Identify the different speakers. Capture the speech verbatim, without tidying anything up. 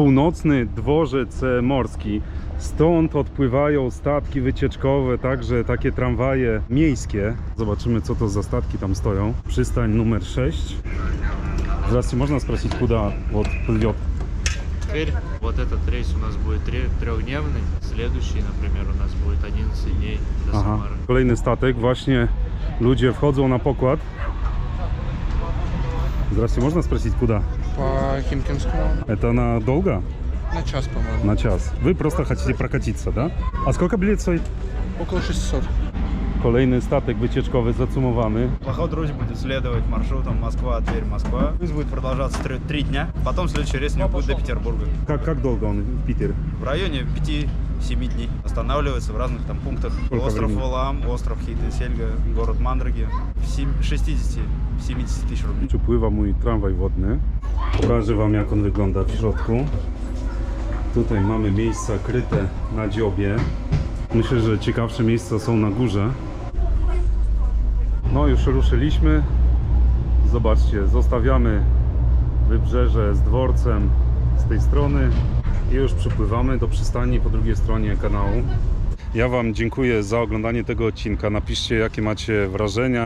Speaker 1: północny dworzec morski. Stąd odpływają statki wycieczkowe, także takie tramwaje miejskie. Zobaczymy, co to za statki tam stoją. Przystań numer sześć. Здравствуйте, можно спросить, куда вот плывет?
Speaker 2: Теперь вот этот рейс у нас будет трехдневный, следующий, например, у нас будет одиннадцать дней до
Speaker 1: Aha,
Speaker 2: Самары.
Speaker 1: kolejny statek. Właśnie ludzie wchodzą na pokład. Здравствуйте, можно спросить, куда?
Speaker 3: По Химкинскому
Speaker 1: Это надолго?
Speaker 3: на час, по-моему.
Speaker 1: На час. Вы просто хотите прокатиться, да? А сколько билет стоит?
Speaker 3: Около шестисот.
Speaker 1: Kolejny statek wycieczkowy zacumowany.
Speaker 4: Поход Русь будет следовать маршрутом Москва, Тверь, Москва. Рейс будет продолжаться три, три дня. Потом следующий рейс у него будет до Петербурга.
Speaker 1: Как, как долго он в Питере?
Speaker 4: В районе пяти-семи дней. Останавливается в разных там пунктах.
Speaker 1: Сколько
Speaker 4: остров
Speaker 1: времени?
Speaker 4: Валаам, остров Хейт-Сельга, город Мандраги. шестьдесят-семьдесят tысяч рублей.
Speaker 1: Tu pływa mój tramwaj wodny. Pokażę wam, jak on wygląda w środku. Tutaj mamy miejsca kryte na dziobie. Myślę, że ciekawsze miejsca są na górze. No już ruszyliśmy. Zobaczcie, zostawiamy wybrzeże z dworcem z tej strony i już przypływamy do przystani po drugiej stronie kanału. Ja wam dziękuję za oglądanie tego odcinka. Napiszcie, jakie macie wrażenia.